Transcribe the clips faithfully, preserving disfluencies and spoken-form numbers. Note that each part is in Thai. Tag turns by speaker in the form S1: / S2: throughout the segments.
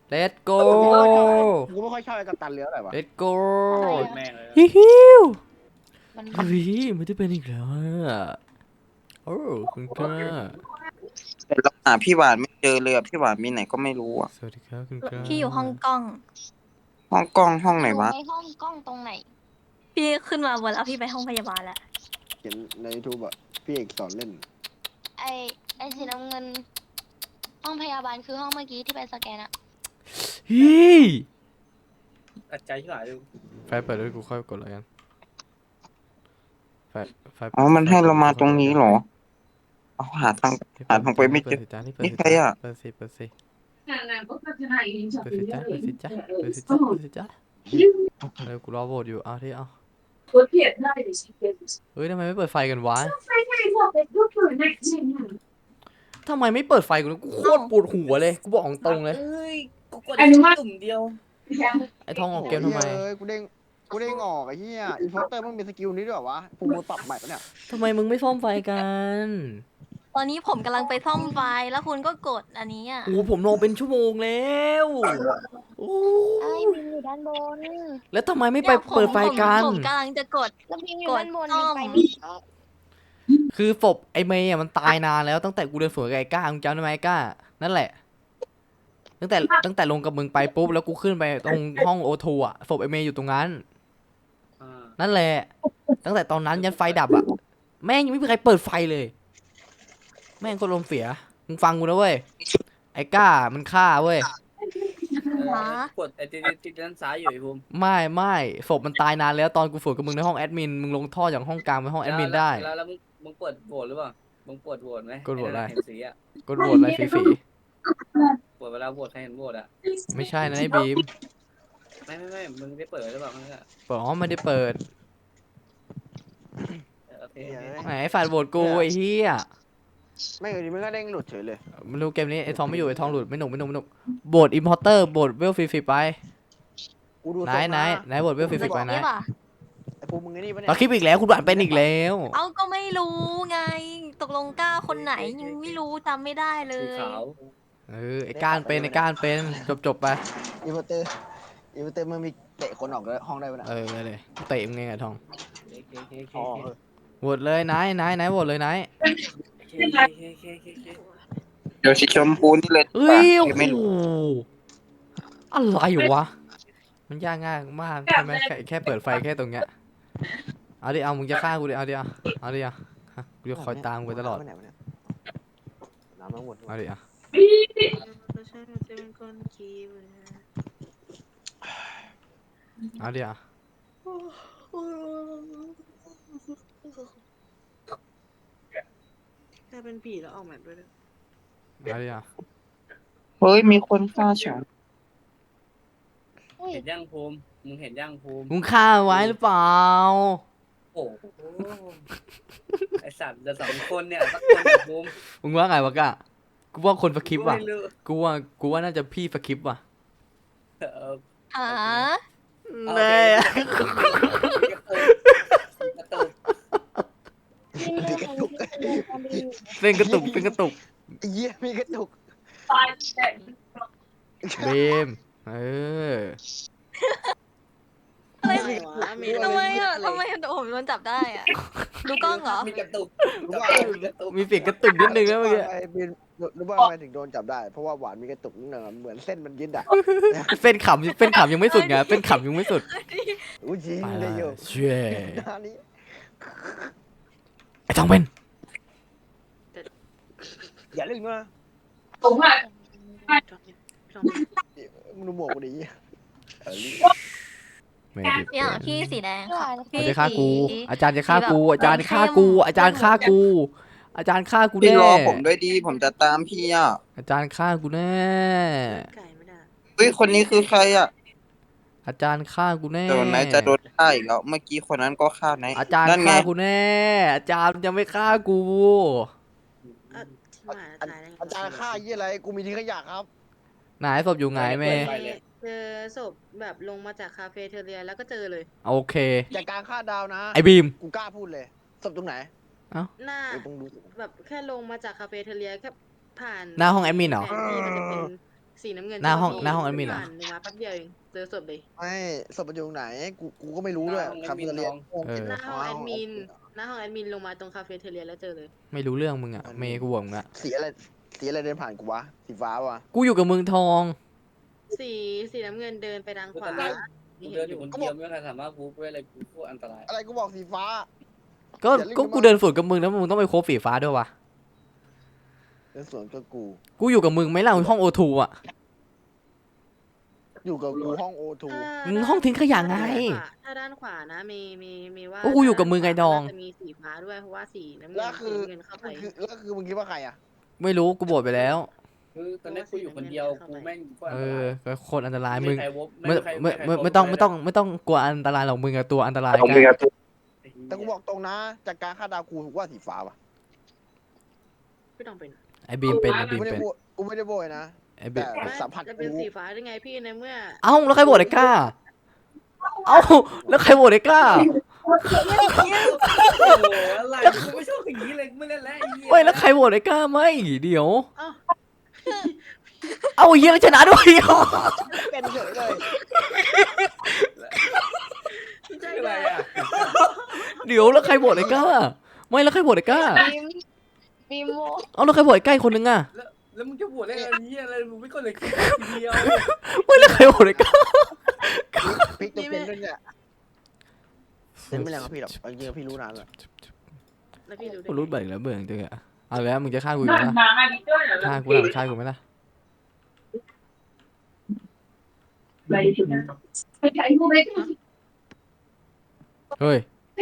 S1: let's go
S2: กูไม่ค่อยชอบไอ้กัปตันเลี้ยวอะไรวะ
S1: let's go
S3: แม่งเลย
S1: ฮิฮิว
S4: มัน
S1: เฮ้ยไม่ได้เป็นอีกแล้วอะโอ้คุณกล้า
S5: แต่เราหาพี่หวานไม่เจอเลยอะพี่หวานมีไหนก็ไม่รู้อ่ะ
S1: สวัสดีครับคุณกล้า
S4: พี่อยู่ห้องกล้อง
S5: ห้องกล้องห้องไหนวะ
S6: ในห้องกล้องตรงไหน
S4: พี่ขึ้นมาบนแล้วพี่ไปห้องพยาบาลแล้ว
S2: เขียนในยูทูบอะพี่เอกสอนเล่น
S6: ไอไอสีน้ำเงิน ห้องพยาบาลคือห้องเมื่อกี้ที่ไปสแกนอะ
S1: เฮ้ย
S3: ตัดใจที่หลายดู
S1: ไฟเปิดด้วยกูค่อยกดแล้วกันไฟไฟ
S5: อ๋อมันให้เรามาตรงนี้เหรอเอาหาทาง หาทางไปไม่เจอ
S1: ปิดสิจ้านี่เปิด
S5: นี่
S1: สิ
S5: ใคร
S1: จ้า
S5: อะ
S1: เปิดสิเปิดสิ
S7: Nah, kok kecerahin
S1: เปิดสิจ้า
S7: satu
S1: เปิดสิ
S7: jari.
S1: จ้า
S7: Eh,
S1: เปิด
S7: eh,
S1: สิจ้า
S7: so,
S1: เปิดสิจ้าเร็วกูรอโหวตอยู่เอาที่เอา
S7: kok thiệt đây để chị kể.
S1: เฮ้ยทำไมไม่เปิดไฟกันวะ
S7: Phải này một cái thuốc rồi này gì nhỉ?
S1: ทำไมไม่เปิดไฟกูกูโคตรปวดหัวเลยกูบอกตรงเลย
S3: เอ้ยกูกด
S7: อันนี้ว่า
S3: ตุ่มเดียว
S1: ไอ้ทองออกเกมทำไม
S2: เอ้ยกูเด้งกูเด้งออกไอ้เหี้ยอินโฟเตอร์มันมีสกิลนี้ด้วยเหรอวะกูมือปรับใหม่ปะเนี่ย
S1: ทำไมมึงไม่ซ่อมไฟกัน
S4: ตอนนี้ผมกำลังไปซ่อมไฟแล้วคุณก็กดอันนี้อ่ะ
S1: โอ้ผมลงเป็นชั่วโมงแล้วโอ้
S6: ไอ้บิมอยู่ด้านบน
S1: แล้วทำไมไม่ไป
S4: นี่ยผม
S1: เปิดไฟกัน
S4: ผมผมกำลังจะกด
S6: แล้วบิมอยู่
S4: กด
S6: ด้านบน
S4: ซ่อม
S6: บิมไปไม่ได้
S1: คือศพไอ้เมย์อะมันตายนานแล้วตั้งแต่กูเดินสวนกับไอ้ก้ามึงจำได้ไหมไอ้ก้านั่นแหละ ตั้งแต่ตั้งแต่ลงกับมึงไปปุ๊บแล้วกูขึ้นไปตรงห้องโอทูอะศพไอ้เมย์อยู่ตรงนั้น
S3: อ่า
S1: นั่นแหละ ตั้งแต่ตอนนั้นยันไฟดับอะแม่งยังไม่มีใครเปิดไฟเลย แม่งก็ลมณ์เสียมึงฟังกูนะเว้ยไอ้ก้ามันฆ่าเว้ย
S3: เออกดไอ้ติดติดด้านซ้ายอยู่ไอ้ภูมิ
S1: ไม่ไม่ศพมันตายนานแล้วตอนกูฝึกกับมึงในห้องแอดมินมึงลงท่อจากห้องกลางไปห้องแอดมินได้
S3: แล้วแล้วมึงมึงเปิดโหวตหรือเปล่ามึงเปิดโหวตไหม
S1: กดโหวตอะไร
S3: เห็นสีอ่ะ
S1: กดโหวตอะไรฝี
S3: เปิดเวลาโหวตใครเห็นโหวตอ่ะ
S1: ๆไม่ใช่นะไอ้บีม
S3: ไม่ไม่ไม่มึงได้เปิดหรือเปล่ามึงอะ
S1: เปิดอ๋อไม่ได้เปิด
S3: เออโอเค
S2: เหี้ย
S3: โอเค
S2: เอ้ย
S1: ไหนไอ้ฝาดโหวตกูไอ้เหี้ย
S2: ไม่อยู่ดีมันก็เด้งหลุดเฉยเลย
S1: ไม่รู้เกมนี้ไอ้ทองไม่อยู่ไอ้ทองหลุดไม่หนุกไม่หนุกไม่หนุกโบดอิมพอร์เตอร์โบดเวลฟรีๆไป
S2: กูดู
S1: ไหน
S2: ทรง
S1: ไหน
S2: นะ
S1: ไหนโบดเวลฟรีๆไปไหน
S4: นี่ป่ะ
S2: ไอ้ภูมิมึงไอ้นี่ปะเนี่ย
S1: เราคลิปอีกแล้วคุณหวานเป็นอีกแล้ว
S4: เอาก็ไม่รู้ไง ตกลงกล้าคนไหนยังไม่รู้จำไม่ได้เล
S3: สี
S4: ย
S3: ขาว
S1: เออไอ้ก้านเป็นไอ้ก้านเป็นจบจบๆไป
S2: อินโฟเตอร์อินโฟเตอร์มันมีเตะคนออกจากห้องได้ปะเนี่ย
S1: เออเลยเลยเตะมึงไงไอ้ทอง
S3: โอเคโอเคโอเค
S2: อ๋อ
S3: โอ
S2: เออ
S1: โหวตเลยไหนไหนไหนโหวตเลยไหน
S3: เคโอเคโอเคโอเคโอเค
S5: เดี๋ยวสีชมพูนี่เลย
S1: เอ้ย
S5: ปะ
S1: โอ้
S5: ไม่
S1: โห
S5: รู้
S1: อะไรวะมันยากง่ายมากใช่ไหมแค่แค่เปิดไฟแค่ตรงเนี้ยเอาดิเอามึงจะฆ่ากูดิเอาดิเอาเอาดิเอาฮะกูจะคอยตามมึงไปตลอด
S2: น้ำมันไหนวะเนี่ยน้ำมันหมด
S1: เอาดิเอา เอาดิเอา
S8: ถ้าเป็นผีแล้วออกแบบด้วยนะ
S1: เอาดิเอา
S5: เฮ้ยมีคนฆ่าฉัน
S6: อุ้ย
S3: เห็นย่างภูมิมึงเห็นย่างภูมิ
S1: มึงฆ่าไว้หรือเปล่า
S3: โอ้โหไอสัตว์เดี๋ยวสองคนเนี่ยสักคนกับภูมิ
S1: มึงว่าไงวะกะกูว่าคนสคริปต์ว่ะ
S3: ไม่รู้
S1: กูว่ากูว่าน่าจะพี่สคริปต์ว่ะ
S3: เออ
S4: หา
S1: แน่
S3: กระตุก
S6: บิมเดินทางนี้เดินทางบิมอยู่
S1: เส้นกระตุกเส้นกระตุก
S2: ไอ้เหี้ยมีกระตุก
S7: ตายแต่
S1: เบมเออ
S4: อะไร
S8: อะไรวะมี
S4: ทำไมอ่ะทำไมผมโดนจับได้อ่ะ ดูกล้องเหรอ
S3: มีกระตุก
S2: รู้ว่า
S3: มีกระตุก
S1: มีเสียงกระตุกนิดนึงนะเมื่อกี้
S2: ไอ้บินรู้ว่าทำไมถึงโดนจับได้ เพราะว่าหวานมีกระตุกนิดหน่อยเหมือนเส้นมันยึดอ่ะ
S1: เส้นขำเส้นขำยังไม่สุดไงเส้นขำยังไม่สุด
S2: อุ้ยจริง
S1: ไป
S2: เล
S1: แล้
S2: ยโยว
S1: เช่ย
S2: หน้านี้
S1: ไอ้ทองเป็น
S2: อย่าเล่นกูนะ
S7: ผมอ่ะ
S2: มึงดูหมวกกูดิเออ
S1: ไม่ได้
S4: เนี่ยพี่สีแดงค่ะ
S1: เขา
S4: พี่
S1: จะฆ่ากู
S4: สี
S1: อาจารย์จะฆ่ากู
S4: สีแบบ
S1: อาจารย์ฆ่ากู อาจารย์ฆ่ากู อาจารย์ฆ่ากู
S5: พี่
S1: แน่
S5: รอผมด้วยดีผมจะตามพี่อ่ะ
S1: อาจารย์ฆ่ากูแน่
S8: ไก่ไม่ได้
S5: เฮ้ยคนนี้คือใครอ่ะ
S1: อาจารย์ฆ่ากูแน่
S5: เดี๋ยวไหนจะโดนฆ่าอีกแล้วเมื่อกี้คนนั้นก็ฆ่าไหน
S1: อาจารย์
S5: นั่นไง
S1: ฆ่ากูแน่ อาจารย์จะไม่ฆ่ากู
S8: อ่ะที่หมายตายได้ไง
S2: อาจารย์ฆ่ายี่อะไร กูมีทิ้งขยะครับ
S1: ไหนศพอยู่ไหนเมย์
S8: เจอศพแบบลงมาจากคาเฟ่เทเรียแล้วก็เจอเลย
S1: โอเค
S2: จากการฆ่าดาวนะ
S1: ไอ้บีม
S2: กูกล้าพูดเลยศพตรงไหน
S8: หน้า
S2: กูต้องดู
S8: แบบแค่ลงมาจากคาเฟ่เทเรียแค่ผ่าน
S1: หน้าห้องแอดมินเหรอ
S8: แผนที่มันจะเป็นสีน้ำเงิน
S1: หน้าห้อง
S8: ที่
S1: หน้าห้องแอดมินเหรอ
S8: ผ่านลงมาแป๊บเดียวเองเจอศพเลย
S2: ไม่ศพมันอยู่ตรงไหนกูกูก็ไม่รู้ด้วยคาเฟ่เรียน
S1: เออ
S8: หน้าห้องแอดมินหน้าห้องแอดมินลงมาตรงคาเฟ่เทเลียแล้วเจอเลย
S1: ไม่รู้เรื่องมึงอะเมย์กูบอกมึงอะ
S2: สีอะไรสีอะไรเดินผ่านกูวะสีฟ้าวะ
S1: กูอยู่กับมึงทอง
S8: สีสีน้ำเงินเดินไปทางขวา
S3: กูเดินอยู่คนเดียวไม่มีใครสามารถบู๊ได้เลยกูโคตรอันตราย
S2: อะไรกูบอกสีฟ้า
S1: ก็
S2: อย่ารีบ
S1: ก็
S2: มา
S1: กูเดินสวนกับมึงแล้วมึงต้องไปโคบฝีฟ้าด้วยวะ
S2: เดินสวนกับกู
S1: กูอยู่กับมึงไหม่ล่ะห้องโอทูอะ
S2: อยู่กับกูห้องโอทู
S1: มึงห้องทิ้งขยะไง
S8: ถ้าด้านขวานะมีมีมีว่า
S1: ก็กูอยู่กับมึงไงดอง
S8: จะมีสีฟ้าด้วยเพราะว่าสีน้ำเงิ
S2: แล้ว
S8: น
S2: คือ
S8: สีน้ำเงินเข้าไป
S2: คือแล้วคือมึงคิดว่าใครอ่ะ
S1: ไม่รู้กูโบดไปแล้ว
S3: คือตอนนี้กูอยู่คนเดียวกูแม่งโคตร
S1: เอ
S3: อันตราย
S1: อก็โคนอันตรายมึง
S3: ใครวบ
S1: ไม่
S3: ใคร
S1: ไม่
S3: ใคร
S1: ไม่
S3: วบ
S1: ไม่ต้อง
S3: เลย
S1: ไม่ต้องไม่ต้องกลัวอันตรายหรอกมึงอะตัวอันตราย
S5: ผม
S1: กัน
S5: มีกระตุก
S2: แต่กูบอกตรงนะจากการคาดเดากูว่าสีฟ้าว่ะ
S8: ไม่ต้องเป็น
S1: ไอ้บีมเป็นไอ้
S2: กู
S1: บีม
S2: ไม่ได้
S1: เป็น
S2: โบยกูไม่ได้โบยนะ
S1: ไอ้บีม
S2: แต่
S8: ไม่
S2: สัมผัส
S8: จะเป็น
S2: กู
S8: สีฟ้าได้ไงพี่ในเมื่อ
S1: เอ้าแล้วใครโบดไอ้กล้าเอ้าแล้วใครโบดไอ้กล้า
S3: โอ้โหอะไรกูไม่ชอบอย่างนี้เลยกูไม่เล่นแล้วไอ้เหี้ย
S1: เฮ้ยแล้วใครโบดไอ้กล้าไม่เดี๋ยว
S8: เอ้า
S1: เอาเฮียแล้วชนะด้วย
S2: เป็นเฉยเลย
S8: ใช่
S3: อะไร
S8: เลย
S3: อ่ะ
S1: เดี๋ยวแล้วใครโบดไอ้กล้าไม่แล้วใครโบดไอ้กล้า
S6: บีมบีมโม
S1: เอาแล้วใครโบดไอ้กล้าอีกคนนึงอะ
S3: แล้วแล้วมึงจะบวชได้ไงเหี้ยอะไรมึงไม่ก็เลยคิดทีเดียว
S1: ไม่แล้วใครโบดไอ้กล้า
S2: พลิกตัวเป็นด้วยเนี่ยเป็นไม่แรงกับพี่หรอกเอาจริงๆพี่รู้นานแล้ว
S8: แล้วพี่รู้ได้
S1: กูรู้
S8: ไง
S1: เบิกแล้วเบื่อจังอะเอาแล้วมึงจะฆ่ากูอีก
S7: ห
S1: ไหม
S7: น้า
S1: ล่ะ
S7: หนาอันนี้ด้วยเหรอ
S1: ฆ่ากูหลังฆ่ากูไหมล่ะ
S7: อะไรถึงนั้นไปถ่ายรูปไป
S1: เฮ้ย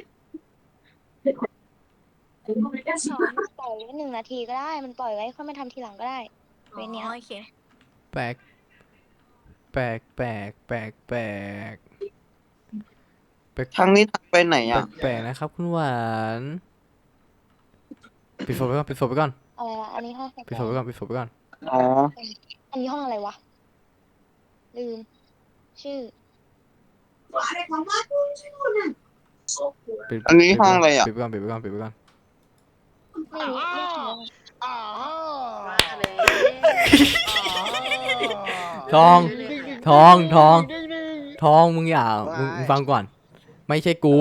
S6: สอนปล่อยไว้หนึ่งนาทีก็ได้ มันปล่อยไว้ค่อยมาทำทีหลังก็ได้ เวรเนี้ย
S4: อ๋อโอเค
S1: แปลกแปลกแปลกแปลกแปลกแปลก
S5: ทางนี้ทางไปไหนอ่ะ
S1: แปลกนะครับคุณหวานปิดโฟมไปก่อนปิดโฟมไปก่อน
S6: อะไรวะอันนี้ห้องสแก
S1: ปิดโฟม
S6: น
S1: ไปก่อนปิดโฟมไปก่อน
S5: อ๋อ
S6: อันนี้ห้องอะไรวะ ลืม ชื่อ
S1: ปิด
S5: อันนี้ห้องอะไรอ่ะ
S1: ปิดไปก่อนปิดไปก่อนปิดไปก่อน
S6: ไม่รู้เรียกชื่อ
S2: อ่า
S8: ว่าเลย
S1: ทอง ทองทองทองมึงอย่ามึงมึงฟังก่อน ไม่ใช่กู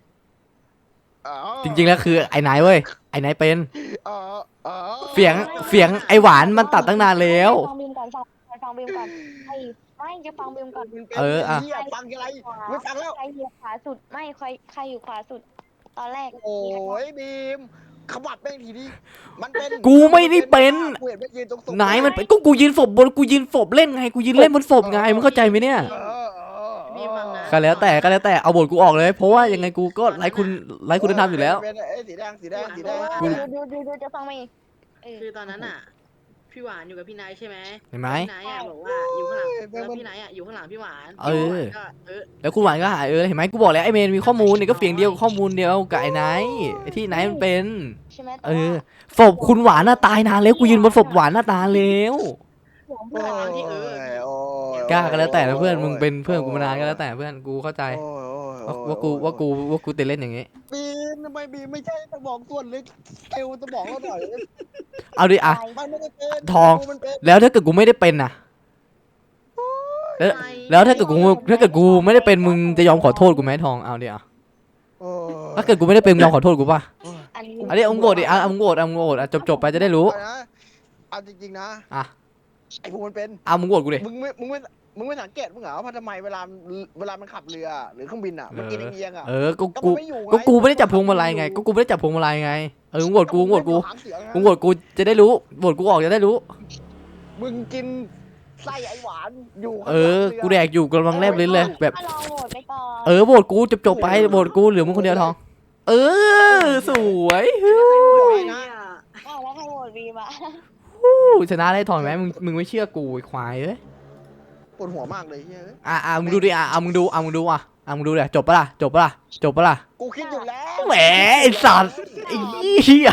S1: จริงๆแล้วคือไอ้ไหนเว้ยไอ้ไหนเป็น เสียงเสียงไอ้หวานมันตัดตั้งนานแล้ว
S6: ฟังบีมก่อนฟังฟังบีมก่อนไอ้ไม่จะฟังบีมก่อน
S1: เอออะ
S2: หี้ยฟังอะไรไม่ฟังแล้ว
S6: ใครอยู่ขวาสุด ไม่ใครใครอยู่ขวาสุด ตอนแรก
S2: โอ้ยบีมขมับแม่งทีนี้มันเป็น
S1: กูไม่ได้เป็น
S2: กูเห็นมันยืนตรงศพ
S1: ไหนมันเป็นก็กูยืนศพบนกูยืนศพเล่นไงกูยืนเล่นบนศพไงมึงเข้าใจไหมเนี่ย
S2: เออเออ
S8: มีมังนะ
S1: ก็แล้วแต่ก็แล้วแต่เอาบทกูออกเลย เพราะว่ายังไงกูก็ไร้คุณไร้คุณธรรมอยู่แล้ว
S2: เป็นไอ้สีแดงสีแดงสีแดง
S1: กู
S6: ดูดูดูดูจะฟังไหมเออ
S8: คือตอนนั้นอ่ะ พี่หวานอยู่กับพี่นายใช่ไหม
S1: เห็นไหม
S8: พี่นายอ่ะบอกว่าอยู่ข้างหลังแล้วพี่นายอ่ะอยู่ข้างหลังพี่หวาน
S1: เออ
S8: พี่หวานก็เออ
S1: แล้วคุณหวานก็หายเออเห็นไหมกูบอกแล้วไอ้เมนมีข้อมูลเนี่ยก็เสียงเดียวข้อมูลเดียวกับไอ้ไนท์ไอ้ที่ไนท์มันเป็น
S6: ใช่ไหม
S1: เออศพคุณหวานน่ะตายนานแล้วกูยืนบนศพหวานน่ะตายแล้ว
S2: โอ้ยโอ้ย
S1: กล้าก็แล้วแต่นะเพื่อนมึงเป็นเพื่อนกูมานานก็แล้วแต่เพื่อนกูเข้าใจ
S2: โอ้ยโอ้ย
S1: ว่า
S2: โอ้ย
S1: ว่ากูว่ากูว่ากูติดเล่นอย่างงี้
S2: บีมทำไมบีมไม่ใช่สมองส่วนลึกเอวสมองเราหน่อย
S1: เอาดิอะ
S2: มันไม่ได้เป็น
S1: ทอง
S2: มันเป็น
S1: แล้วถ้าเกิดกูไม่ได้เป็นน่ะแล้วแล้วถ้าเกิดกูถ้าเกิดกูไม่ได้เป็นมึงจะยอมขอโทษกูไหมทองเอาดิอะ
S2: โอ้ย
S1: ถ้าเกิดกูไม่ได้เป็นมึงยอมขอโทษกูป่ะ
S6: อันนี้
S1: อันนี้เอามึงโกรธดิอ่ะเอามึงโกรธเอามึงโกรธอ่ะจบจบไปจะได้รู้
S2: เอานะเอาจริงๆนะ
S1: อ่ะ
S2: ไอ้พวกมันเป็น
S1: เอามึงโกรธกูดิ
S2: มึงไม่ มึงไม่ มึงไม่สังเกตมึงเหรอว่าทำไมเวลา เวลามันขับเรือหรือเครื่องบินอ่ะ มันกินเอียงๆอ่ะ
S1: เออก็
S2: ก็
S1: กู
S2: มันไม่อยู่ง
S1: ก็กูไม่ได้จับพวงมาลัยไงก็กูไม่ได้จับพวงมาลัยไงเออมึงโกรธกูมึงโกรธกู
S2: หางเสือไง
S1: มึงโกรธกูจะได้รู้โกรธกูออกจะได้รู้
S2: มึงกินไส้ไอหวานอยู่ข้าง
S1: เอ
S2: หลัง
S1: อ
S2: รือ
S1: กูแดกอยู่กำลังแลบลิ้นเลยแบบ
S6: ก็ลองโหวตไปก่อน
S1: เออโหวตกูจบจบไปโหวตกูเหลือมึงคนเดียวทอง เออสวยฮู้
S2: บอกเลยนะ
S6: อ้าวแล้วใครโหวตบีมอ่ะ
S1: ฮู้ชนะได้ทองไหมมึงมึงไม่เชื่อกูไอ้ควายเอ้ย
S2: ปวดหัวมากเลยเฮ้ย
S1: อ่ะอ่ะมึงดูดิอ่ะอ่ะมึงดูอ่ะมึงดูอ่ะอ่ะมึงดูเลยจบปะล่ะจบปะล่ะจบปะล่ะ
S2: กูคิดอยู่แล้ว
S1: แหมไอ้สัตว์ไอ้เหี้ย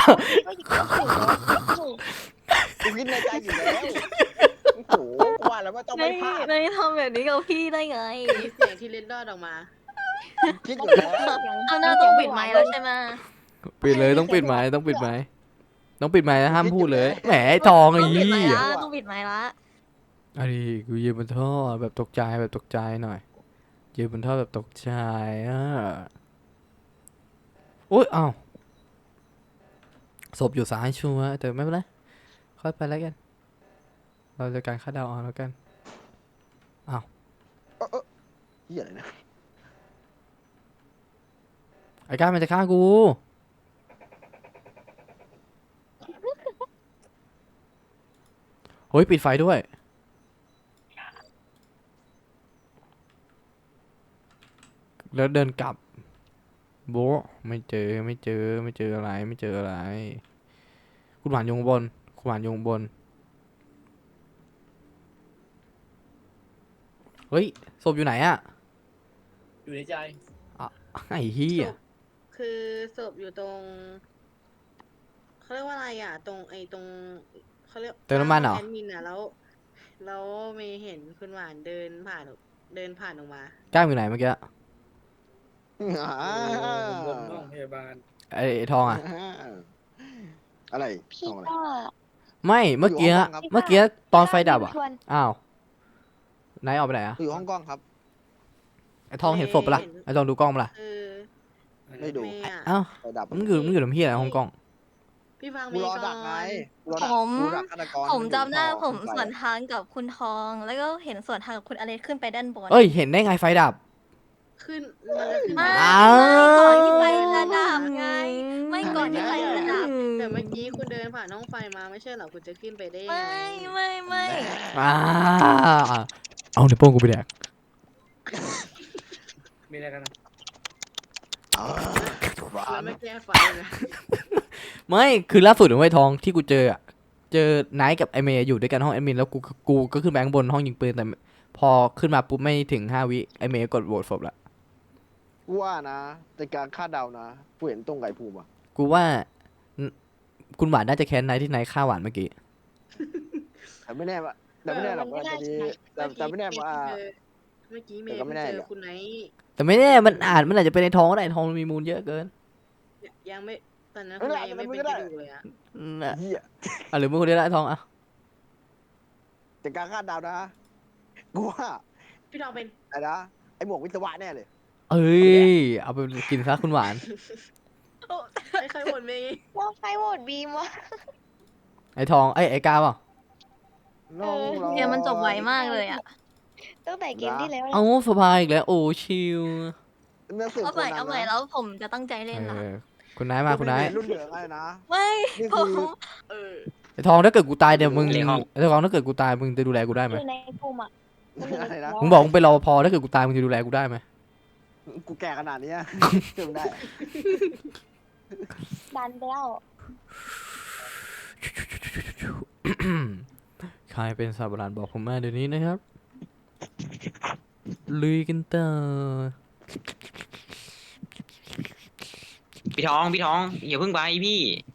S2: กูคิดในใจอยู่แล้วโอ้โหกูว่าแล้วว่าต้อง
S4: ไม่
S2: ไม่พลาด
S4: ไม่ทำแบบนี้กับพี่ได้ไง
S8: มีเสียงที่เล็ดลอดออกมา
S2: คิดอยู่แล้ว
S4: เอาหน้าต้องปิดไมค์แล้วใช่ไหม
S1: ปิดเลยต้องปิดไม้ต้องปิดไม้ต้องปิดไม้นะห้ามพูดเลยแหมไอ้ทองไอ้
S4: ต้องปิดไม
S1: เหี้
S4: ค์
S1: ย
S4: ละต้องปิดไมค์ละ
S1: อันนี้กูยืนบนท่อแบบตกใจแบบตกใจหน่อยยืนบนท่อแบบตกใจอ่ะโอ๊ยอ้าวศพอยู่ซ้ายชัวร์แต่ไม่เป็นไรค่อยไปแล้วกันเราจะการคาดเดาเอาแล้วกัน
S2: เหี้ยอะไรนะ
S1: ไอ้ก้ามันจะฆ่ากูเฮ้ยปิดไฟด้วยแล้วเดินกลับโบะไม่เจอไม่เจอไม่เจออะไรไม่เจออะไรคุณหวานอยข้างบนคุณหวานอยข้างบนเฮ้ยศพอยู่ไหนอะ
S3: อยู่ในใจ
S1: ไอ้เหี้ย
S8: คือศพอยู่ตรงเขาเรียกว่าอะไรอ่ะ ตรงไอ้ตรงเขาเรียก
S1: เติมน้ำมันเหรอ
S8: แอดมินอ่ะแล้วแล้วมีเห็นคุณหวานเดินผ่านเดินผ่านออกมา
S1: ก้ามอยู่ไหนเมื่อกี้
S2: อ่า
S3: บนห้องพยาบาล
S1: ไอ้ไอ้ทองอะ
S2: อะไร
S6: พี่
S2: ทำอะไร
S6: ก็
S1: ไม่เมื่อกี้
S2: อยู่ห้องครับ
S1: เมื่อกี้ตอนไฟดับอะ
S6: ชวน
S1: อ้าวไหนายออกไปไหนอะ
S2: อยู่ห้องกล้องครับ
S1: ไอ้ทองเห็นศพปะล่ะไอ้ทองดูกล้องปะล่ะ
S8: คือ
S2: ไม่ดู
S8: เมย์อ่ะ
S1: อ้าว
S2: ไฟดับ
S1: มึงอยู่มึงอยู่ทำเพี้ยอะไรห้องกล้อง
S8: พี่ฟัง
S2: กู
S8: เม
S2: ร
S8: ย์
S2: อ
S8: ก่
S2: ดักไง
S8: อน
S2: กูรอดัก
S4: ผม
S2: กูดักฆาตกร
S4: ผมจำได้
S2: อยู่
S4: ผม
S2: ท่อ
S4: สวนทางกับคุณทอง แล้วก็เห็นสวนทางกับคุณอเล็กขึ้นไปด้านบน
S1: เอ้ยเห็นได้ไงไฟดับ
S8: ขึ้นมันจะขึ้น
S4: ไม่
S8: มา
S1: อ้าว
S4: ก่อนที่ไฟจะดับไง ไม่ก่อนที่ไฟจะดับ
S8: แต่เมื่อกี้คุณเดินผ่านห้องไฟมาไม่ใช่เหรอคุณจะขึ้นไปได้ยัง
S4: ไม่
S8: ไง
S4: ไม่ไม่
S1: อ่าเอาในวโป้งกูไปแดก
S3: มีอะไรกันนะ
S2: อ่าหวา
S8: แล้ว
S2: น
S8: ไม่แก้ไฟเลย
S1: ไม่คือล่าสุดไอ้ทองที่กูเจออะเจอไนท์กับไอเมย์อยู่ด้วยกันห้องแอดมินแล้วกูกูก็ขึ้นไปข้างบนห้องยิงปืนแต่พอขึ้นมาปุ๊บไม่ถึงห้าวิไอเมย์กดโหวตศพละ
S2: กูว่านะในการคาดเดานะกูเห็นตรงไก่ภูมิอ่ะ
S1: กูว่าคุณหวานน่าจะแค้นไนท์ที่ไนท์ฆ่าหวานเมื่อกี้
S2: แต่ไม่แน่ว่าแต่ไม่แน่หรอกว่าตอนนี้แต่แต่ไม่แน่ว่า
S8: เมื่อกี้เม
S2: แต่
S8: ย์
S2: ก็ไม่
S8: เพิ่ง
S2: แน่
S8: เจ
S2: หร
S8: อ
S2: อก
S8: คุณไนท์
S1: แต่ไม่แน่มันอาจมันอาจจะเป็นไอทองก็ได้ไอ้ทองมันมีมูลเยอะเกิน
S8: ยังไม่ตอนนั้นคุณไนท์ยังไม่เป็นกระดูกเลยอะ
S1: น่ะ
S2: เหี้ย
S1: อ่ะหรือมึงคนเดียวละไอ้ทองอ่ะ
S2: แต่การคาดเดานะกูว่า
S8: พี่ทองเป็น
S2: ไอ้นะไอ้หมวกวิศวะแน่เลย
S1: เอ้ยเอาไปกินซะคุณหวาน
S8: ไม่เคยบ่นเมย์
S6: ว่าใครโหวตบีมวะ
S1: ไอทองไอยไอกาเปล่า
S2: น้องรอ
S4: เกมมันจบไวมากเลยอ่ะ
S6: ตั้งแต่เกมที่แล้ว
S1: เอ้าสบายอีกแล้วโอ้ชิล
S2: นักสืบ
S4: เอา
S2: ค
S4: ใหม่
S2: นนั้
S4: เอา
S2: น
S4: ใหม่
S2: นะ
S4: แล้วผมจะตั้งใจเล่น
S1: เอ
S4: นะ
S1: อคุณนายมาคุณนาย
S2: รุ่นเหลืองอะไรนะ
S4: ไม่
S2: นี่
S4: ผ
S2: คือ
S4: ม
S8: เออ
S1: ไอทองถ้าเกิดกูตายเดี๋ยวมึง
S5: เรียกห้อง
S1: ไอทองถ้าเกิดกูตายมึงจะดูแลกูได้ไหม
S6: อยู่ในกลุ่มอ่ะ
S2: อะไรนะ
S1: มึงบอกมึงเป็นรปภถ้าเกิดกูตายมึงจะดูแลกูได้ไหม
S2: กูแก่ขนาดเนี้ยเชื่อมได้
S6: ดันไปแล้ว
S1: ใครเป็นซาบรานบอกผมมาเดี๋ยวนี้นะครับลุยกันต่อ
S5: พี่ทองพี่ทองอย่าเพิ่งไปพี่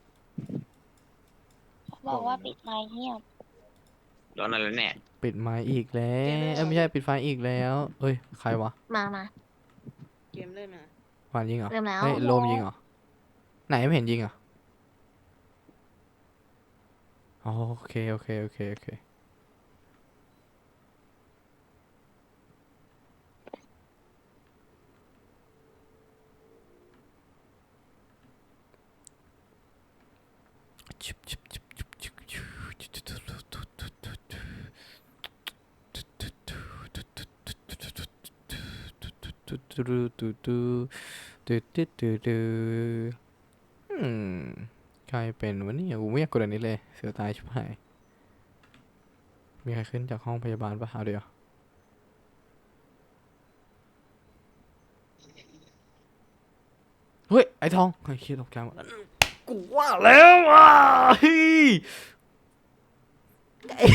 S6: บอกว่าปิดไมค์เงียบ
S5: ร้อนอะไรแน่
S1: ปิดไมค์อีกแล้วเอ้ยไม่ใช่ปิดไฟอีกแล้วเอ้ยใครวะ
S4: มามา
S8: เกมเริ่มนะ
S1: หวานยิงเหรอ
S4: เริ่มแล้ว
S1: เฮ้ยโลมยิงเหรอไหนไม่เห็นยิงเหรออ๋อโอเคโอเคโอเคโอเคตูตูตูตูตูตูตูตูอืมใครเป็นวะเนี่ยกูไม่อยากกดอันนี้เลยเสียตายชิบหายมีใครขึ้นจากห้องพยาบาลปะเอาเดี๋ยวเฮ้ยไอ้ทองไอ้เคียตกใจหมดกูว่าแล้วอ่ะเฮ้ยไอ้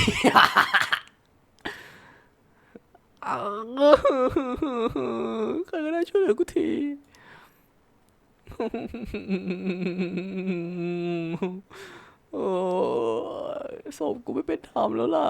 S1: อ้าวใครก็ได้ช่วยเหลือกูทีโอ้ยศพกูไม่เป็นธรรมแล้วล่ะ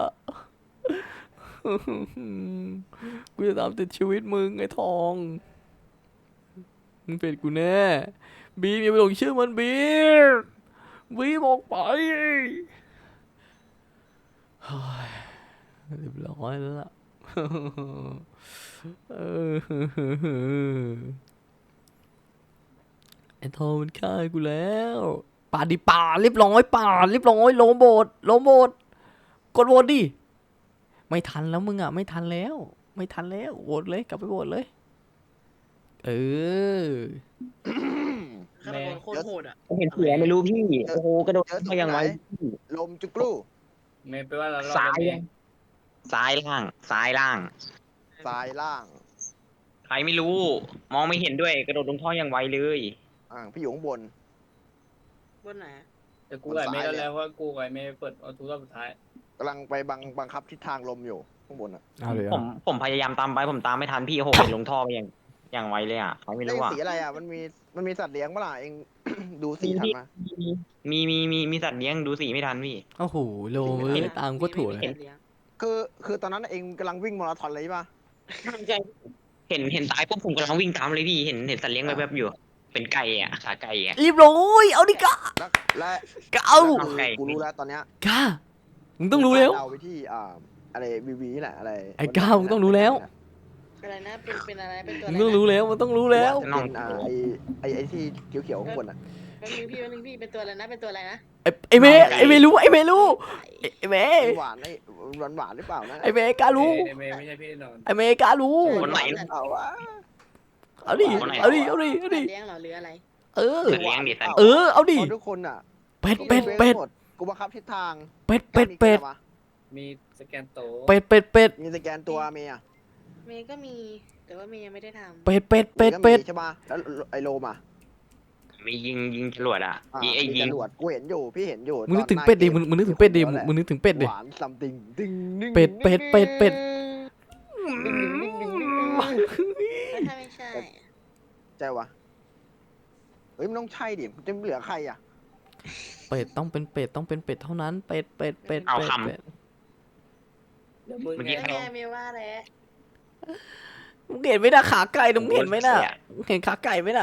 S1: กูจะตามติดชีวิตมึงไอ้ทองมึงเป็นกูแน่บีมอย่าไปหลงเชื่อมันบีมบีมออกไปเฮ้ยเรียบร้อยแล้วล่ะเออไอ้ทอมมันฆ่ากูแล้วป่าดดิป่าดเรียบร้อยป่าดเรียบร้อยโลโบดโลโบดกดโหวตดิไม่ทันแล้วมึงอ่ะไม่ทันแล้ว ไม่ทันแล้วโหวตเลยกลับไปโหวตเลย เออ
S8: ฆาตกรโคตรโหดอ่ะ
S5: ผมเห็นเสือไม่รู้พี่โอ้โหกระโดด
S2: เจอตรง
S5: มาอย่าง
S2: ไหน
S5: ไว
S2: ลมจุกลู
S3: เมย์ไปว่าเรารอด
S5: ซ้าย
S3: แล้วเมย์
S5: ซ้ายล่างซ้ายล่าง
S2: ซ้ายล่าง
S5: ใครไม่รู้ มองไม่เห็นด้วยกระโดดลงท่ออย่างไวเลย
S2: อ่าพี่อยู่ข้างบน
S8: บนไหนอะ
S3: แต่กูกับไอ้เมย์ก็แล้วว่ากูกับไอ้เมย์เปิดเอาทุกรอบสุดท้าย
S2: กำลังไปบังบังคับทิศทางลมอยู่ข้างบนอ่ะ
S1: เอาเลย
S5: ผมผมพยายามตามไปผมตามไม่ทันพี่โอ้โหลงท่อไปอย่างอย่างไวเลยอ่ะใครไม่
S2: เอ้ย
S5: รู้อ่ะ
S2: สีอะไรอ่ะมันมีมันมีสัตว์เลี้ยงเมื่อไหร่เอง ดูสีทันมา
S5: มีมีมีมีสัตว์เลี้ยงดูสีไม่ทันพี่
S1: โอ้โหโลเว้ยตามก็ถั่วเลย
S8: มีมีเลี้ยง
S2: คือคือตอนนั้นเองกำลังวิ่งมาราธอนเลยใช่ปะ
S5: เห็นเห็นตายปุ๊บผมกำลังวิ่งตามเลยพี่เห็นเห็นสัตว์เลี้ยงแบบๆอยู่ เป็นไก่อ่ะขาไก่อ่ะ
S1: รีบร้อยเอาดิกะ
S2: แล้วและ
S1: กะเอา
S2: แล้วคือกูรู้แล้วตอนเนี้ย
S1: กะมึงต้องรู้แล้ว
S2: เอาไปที่อ่าอะไรวีวีแหละอะไร
S1: ไอ้ก้าวมึงต้องรู้แล้ว
S8: อะไรนะเป็นเป็นอะไรเป็นตัวอะ
S1: มึ
S8: ไรง
S1: ต้องรู้แล้วมันต้องรู้แล้ว
S2: เป็นอ่าไอไอไอที่เขียวๆข้างบนอ่ะ
S8: แป๊บนึงพี่แป๊บนึงพี่เป็นตัวอะไรนะเป็นตัวอะไรนะ
S1: ไอ้ไอ้เมย์ไอ้เมย์รู้ไอ้เมย์รู้ไอ้ไอ้เมย์
S2: หวานไอหวานหวานหรือเปล่านะ
S1: ไอ้เมย์กล้ารู้
S3: ไอ้เมย์ไม่ใช่พี่แน่นอน
S1: ไอ้เมย์กล้ารู้
S5: คนไหน
S2: เอาวะ
S1: เอาดิเอาดิเอาดิเอาดิ
S8: เลี้ยงเหรอหรืออะไร
S1: เออ
S5: สัตว์เลี้ยงดิสัตว์
S1: เออเอาดิ
S2: พอทุกคนอ่ะ
S1: เป็ดเป็ดเป็ด
S2: หมกูบังคับทิศทาง
S1: เป็ดเป็ดเป็ด
S3: มีสแกนโต
S1: เป็ดเป็ดเป็ด
S2: มีสแกนตัวเมีย
S8: เมย์ก็มีแต่ว่าเมย์ยังไม่ได้ทำ
S1: เป็ดเป็ดเป็ดเป็ด
S2: ใช่ปะแล้วไอโลมา
S5: มียิงยิงจรวดอ่ะ
S2: อ่า
S5: ยิงไอ้
S2: มี
S5: ยิง
S2: จรวดกูเห็นอยู่พี่เห็นอยู่
S1: มึงนึกถึง
S2: ตอ
S1: เป็ดดิ
S2: หา
S1: มึงมึงนึกถึงเป็ดดิมึงมึงนึกถึงเป็ดดิ
S2: หวานซัมติงดึงดึง
S1: เป็ดเป็ดเป็ดเป็ด
S8: แล้วถ้าไม่ใช่อะ
S2: ใช่วะเฮ้ยมันต้องใช่ดิมันจะเหลือใครอ่ะ
S1: เป็ดต้องเป็นเป็ดต้องเป็นเป็ดเท่านั้นเป็ดเป็ดเป็ดเป็ดเป็ด
S3: เดี๋ยวมึง
S5: เมื่อกี้
S3: ไง
S8: แล้วไงเมย์ว่าแล้ว
S1: มึงเห็นไหมนะขาไก่มึงเห็นไหมน่ะมึงเห็นขาไก่ไหมน่ะ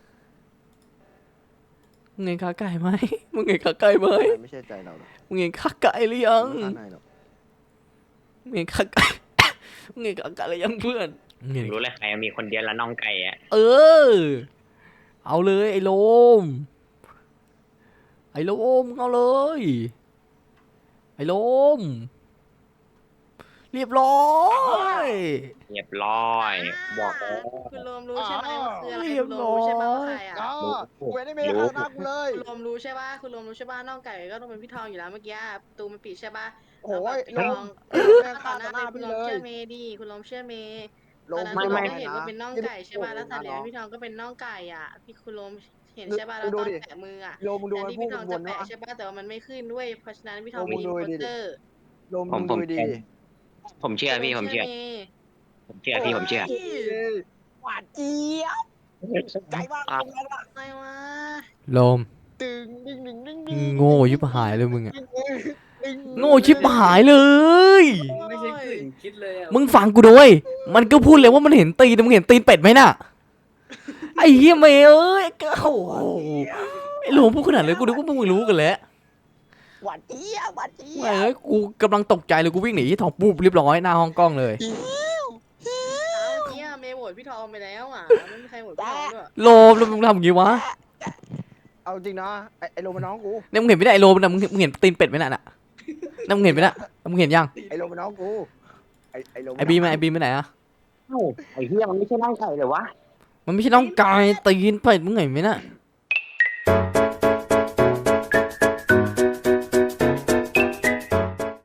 S1: มึงเห็นขาไก่ไหมมึงเห็นขาไก่ไหม
S2: ไม่ใช่ใจเราหรอก
S1: มึงเห็นขาไก่หรือยัง
S2: ไม่ข้างในหรอก
S1: มึงเห็นขาไก่ มึงเห็นขาไก่หรือยังเพื่อนมึงเห็น
S5: รู้เลยใครมีคนเดียวแล้วน้องไก่อ่ะ
S1: เออ เอาเลยไอ้โลม ไอ้โลมเอาเลย ไอ้โลม เรียบร้อย
S5: เรียบร้อยบอกแล้ว
S8: คุณโรมรู้ใช่ไหมว่าคืออะไร
S1: เรียบ
S8: คุณโร
S1: ร้
S8: ม
S1: อย
S8: รู้ใช่ไหมว่าใครอ่ะ
S2: อ๋อกูไม่ได้เมย์ข้างหน้ากูเลย
S8: คุณโรมรู้ใช่ป่ะคุณโรมรู้ใช่ป่ะน้องไก่ก็ต้องเป็นพี่ทองอยู่แล้วเมื่อกี้ประตูมันปิดใช่ป่ะ
S2: โอ้ย
S8: แล้ว
S2: ล
S8: แบบ
S2: ม
S8: พี่ทอง
S2: แม่
S8: ต
S2: ข้า
S8: อน
S2: ต่อ
S8: นั้น
S2: หน้า
S8: คุณ
S2: พี่
S8: โร
S2: เล
S8: ม
S2: ย
S8: เชื่อเมย์ดิคุณโรมเชื่อเมย์
S2: ล
S8: ตอน
S2: ม
S8: นั้น
S2: ไม่
S8: คุณโร
S2: ไม่
S8: มก็เห็นว่าเป็นน้องไก่ใช่ป่ะแล้วสัตว์เลี้ยงพี่ทองก็เป็นน้องไก่อ่ะพี่คุณโรมเห็นใช่ป่ะแล้วตอนแตะมืออ่ะ
S2: โลมึงดู
S8: แต่
S2: มัน
S8: ที่
S2: พูด
S8: พี่ทอง
S2: บ
S8: จะ
S2: น
S8: แปะ
S2: เนาะ
S8: ใช่ป่ะแต่ว่ามันไม่ขึ้นด้วยเพราะฉะนั้นพี่ทอง
S2: โอ้
S8: มี
S2: มึง
S8: อิน
S2: ดู
S8: โพ
S2: ดิ
S8: เตอร์
S2: โลมึงดูดี
S5: ผมเชื่อพี่ผมเชื่อ
S8: เมย์
S5: ผมเชื่อพี่ผมเชื่อ
S2: หวานเจี๊ยบใจมาก
S5: อ่ะ
S8: อะไรวะ
S1: โลม
S2: ตึงดึงดึงดึง
S1: มึงโง่ยิบหายเลยมึงอะโง่ชิบหายเลย
S3: ไม่ใช่กึ่งคิดเลยอ่ะ
S1: มึงฟังกูด้วยมันก็พูดเลยว่ามันเห็นตีนมึงเห็นตีนเป็ดไหมน่ะ ไอ้เหี้ยเมย์เอ้ยก็โอ้โหไอ้โลมพูดขนาดเลยกูนึกว่ามึงรู้กันแล้ว
S2: หวานเจี๊ยบหวานเจี๊ย
S1: แม่ง
S2: บ
S1: เอ้ยกูกำลังตกใจเลยกูวิ่งหนีที่ทองปุ๊บเรียบร้อยหน้าห้องกล้องเลย
S8: เอาเนี้ยเมย์โหวตพี่ทองไปแล้วอ่ะไม่มีใครโหวตพี่ทองด้วย
S1: โลมแล้วมึงทำอย่างงี้วะ
S2: เอาจริงนะไอ้ไอ้โลมันน้องกู
S1: เนี่ยมึงเห็นไม่ได้ไอ้โลมนะมึงมึงเห็นตีนเป็ดไหมน่ะน่ะนั่นมึงเห็นไหมน่ะมึงเห็นยัง
S2: ไอ้โลมันน้องกูไอ้ไอ้โล
S1: ไอ้บีมอะไอ้บีมไปไหนอะ
S5: ไอ้เหี้ยมันไม่ใช่น้องไก่เลยวะ
S1: มันไม่ใช่น้องกายตีนเป็ดมึงเห็นไหมน่ะ